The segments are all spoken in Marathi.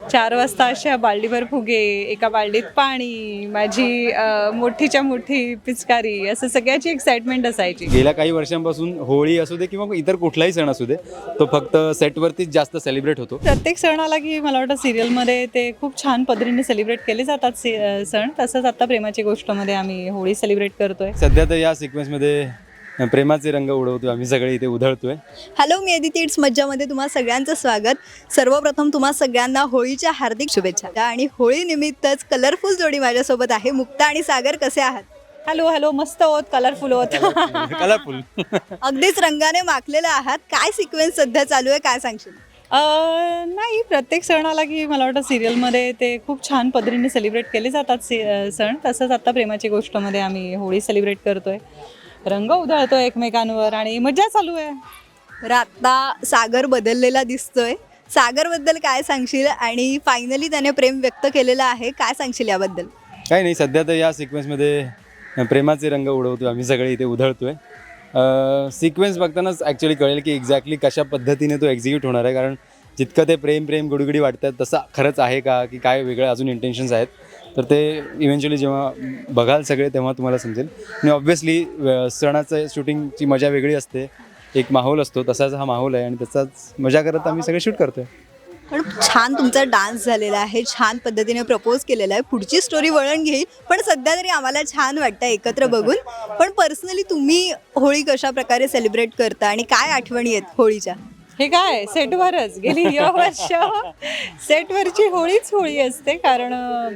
4 वाजता अशा बाल्डीभर फुगे, एका बाल्डीत पाणी, माझी मोठीच्या मोठी पिचकारी, असं सगळ्याची एक्साइटमेंट असायची. गेल्या काही वर्षांपासून होळी असू दे किंवा इतर कुठलाही सण असू दे, तो फक्त सेटवरतीच जास्त सेलिब्रेट होतो. प्रत्येक सण आला की मला वाटतं सिरियलमध्ये ते खूप छान पद्धतीने सेलिब्रेट केले जातात सण. तसंच आता प्रेमाची गोष्टमध्ये आम्ही होळी सेलिब्रेट करतोय. सध्या तर या सिक्वेन्समध्ये प्रेमाचे रंग उडवतोय आम्ही सगळे इथे उधळतोय. हॅलो, मी अदिती इट्स मज्जामध्ये तुम्हा सगळ्यांचं स्वागत. सर्वप्रथम तुम्हा सगळ्यांना होळीच्या हार्दिक शुभेच्छा. आणि होळी निमित्तच कलरफुल जोडी माझ्यासोबत आहे. मुक्ता आणि सागर कसे आहात? हॅलो हॅलो, मस्त होत, कलरफुल होत. कलरफुल. अगदीच रंगाने माखलेले आहात. काय सिक्वेन्स सध्या चालू आहे, काय सांगशील? नाही, प्रत्येक सण आला की मला वाटतं सिरियलमध्ये ते खूप छान पद्धतीने सेलिब्रेट केले जातात सण. तसंच आता प्रेमाची गोष्टमध्ये आम्ही होळी सेलिब्रेट करतोय. रंग उधळतोय एकमेकांवर आणि मजा चालू आहे. तर आता सागर बदललेला दिसतोय. सागरबद्दल काय सांगशील? आणि फायनली त्याने प्रेम व्यक्त केलेलं आहे, काय सांगशील याबद्दल? काही नाही, सध्या तर या सिक्वेन्समध्ये प्रेमाचे रंग उडवतोय आम्ही सगळे इथे उधळतोय. सिक्वेन्स बघतानाच ॲक्च्युली कळेल की एक्झॅक्टली कशा पद्धतीने तो एक्झिक्यूट होणार आहे. कारण जितकं ते प्रेम गुडगुडी वाटतात तसं खरंच आहे का, की काय वेगळे अजून इंटेन्शन्स आहेत, तर ते इव्हेंच्युअली जेव्हा बघाल सगळे तेव्हा तुम्हाला समजेल. आणि ऑब्व्हियसली सणाचं शूटिंगची मजा वेगळी असते, एक माहोल असतो, तसाच हा माहोल आहे आणि त्याचाच मजा करत आम्ही सगळे शूट करतोय. पण छान तुमचा डान्स झालेला आहे, छान पद्धतीने प्रपोज केलेला आहे. पुढची स्टोरी वळण घेईल, पण सध्या तरी आम्हाला छान वाटतं एकत्र बघून. पण पर्सनली तुम्ही होळी कशा प्रकारे सेलिब्रेट करता आणि काय आठवणी आहेत होळीच्या? हे काय सेटवरच गेली वर्ष सेटवरची होळीच होळी असते. कारण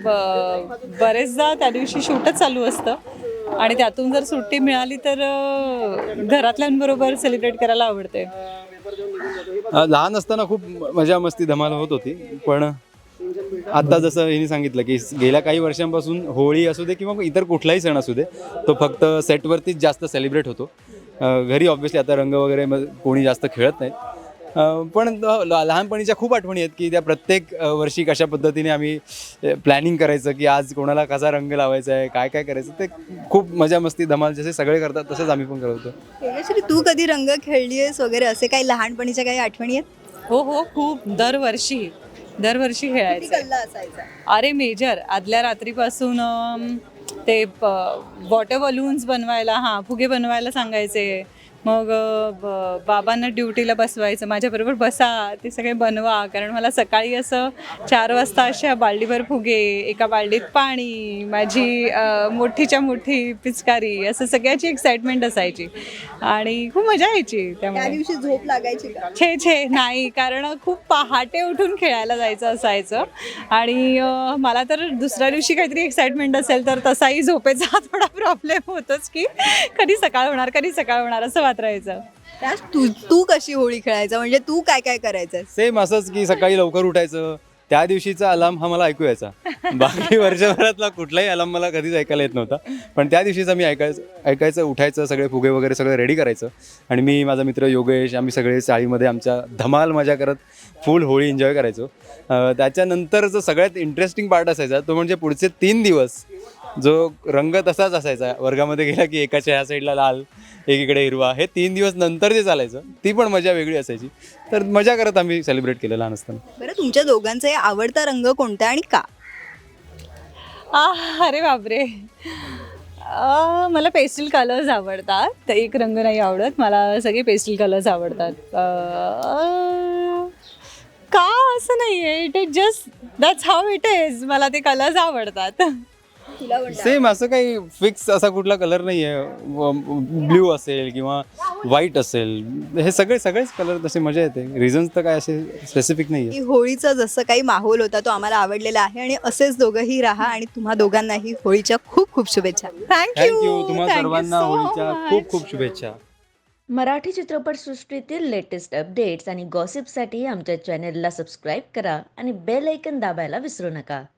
बरेचदा त्या दिवशी शूटच चालू असतं आणि त्यातून जर सुट्टी मिळाली तर घरातल्यांबरोबर सेलिब्रेट करायला आवडते. लहान असताना खूप मजा मस्ती धमाल होत होती, पण आता जसं हिने सांगितलं की गेल्या काही वर्षांपासून होळी असू दे किंवा इतर कुठलाही सण असू दे, तो फक्त सेटवरतीच जास्त सेलिब्रेट होतो. घरी ऑब्व्हियसली आता रंग वगैरे कोणी जास्त खेळत नाहीत, पण लहानपणीच्या खूप आठवणी आहेत की त्या प्रत्येक वर्षी कशा पद्धतीने आम्ही प्लॅनिंग करायचं की आज कोणाला कसा रंग लावायचा आहे, काय काय करायचं, ते खूप मजा मस्ती धमाल जसे सगळे करतात तसंच आम्ही पण करत होतो. तेजश्री, तू कधी रंग खेळली आहेस वगैरे, असे काही लहानपणीच्या काही आठवणी आहेत? हो, खूप. दरवर्षी किती खेळायचं. कल्ला असायचा? अरे मेजर, आदल्या रात्रीपासून ते वॉटर बलून्स बनवायला, फुगे बनवायला सांगायचे. मग बाबांना ड्युटीला बसवायचं, माझ्याबरोबर बसा, ते सगळे बनवा. कारण मला सकाळी असं 4 वाजता अशा बाल्डीभर फुगे, एका बाल्डीत पाणी, माझी मोठीच्या मोठी पिचकारी, असं सगळ्याची एक्साइटमेंट असायची आणि खूप मजा यायची. त्या त्यामुळे दिवशी झोप लागायची का? छे नाही, कारण खूप पहाटे उठून खेळायला जायचं असायचं आणि मला तर दुसऱ्या दिवशी काहीतरी एक्साइटमेंट असेल तर तसाही झोपेचा थोडा प्रॉब्लेम होतोच की कधी सकाळ होणार असं वाटायचं. तू कशी होळी खेळायचा, म्हणजे तू काय काय करायचं? सेम असंच की सकाळी लवकर उठायचं, त्या दिवशीचा अलार्म हा मला ऐकू यायचा. बाकी वर्षभरातला कुठलाही अलार्म मला कधीच ऐकायला येत नव्हता, पण त्या दिवशीचा मी ऐकायचं, उठायचं, सगळे फुगे वगैरे सगळं रेडी करायचं आणि मी, माझा मित्र योगेश, आम्ही सगळे चाळीमध्ये आमच्या धमाल मजा करत फुल होळी एन्जॉय करायचो. त्याच्यानंतर जो सगळ्यात इंटरेस्टिंग पार्ट असायचा तो म्हणजे पुढचे 3 दिवस जो रंग तसाच असायचा. वर्गामध्ये गेला की एकाच्या ह्या साईडला लाल, एकीकडे हिरवा, हे 3 दिवस नंतर जे चालायचं ती पण मजा वेगळी असायची. तर मजा करत आम्ही सेलिब्रेट केलं लहान असताना. बरं, तुमच्या दोघांचा आवडता रंग कोणता आणि का? अरे बापरे, मला पेस्टल कलर्स आवडतात. तर एक रंग नाही आवडत मला, सगळे पेस्टल कलर्स आवडतात. का असं नाही आहे, it is just that's how it is. मला ते कलर्स आवडतात. सेम, असं काही फिक्स असा कुठला कलर नाही आहे. ब्ल्यू असेल किंवा व्हाईट असेल, हे सगळेच कलर तसे मजा येते. रिझन्स तर काय असे स्पेसिफिक नाही आहे. होळीचा जसं काही माहोल होता तो आम्हाला आवडलेला आहे आणि असेच दोघंही राहा. आणि तुम्हा दोघांनाही होळीच्या खूप खूप शुभेच्छा. थँक्यू. तुम्हा सर्वांना होळीच्या खूप खूप शुभेच्छा. मराठी चित्रपटसृष्टीतील लेटेस्ट अपडेट्स आणि गॉसिपसाठी आमच्या चॅनेलला सबस्क्राईब करा आणि बेल ऐकन दाबायला विसरू नका.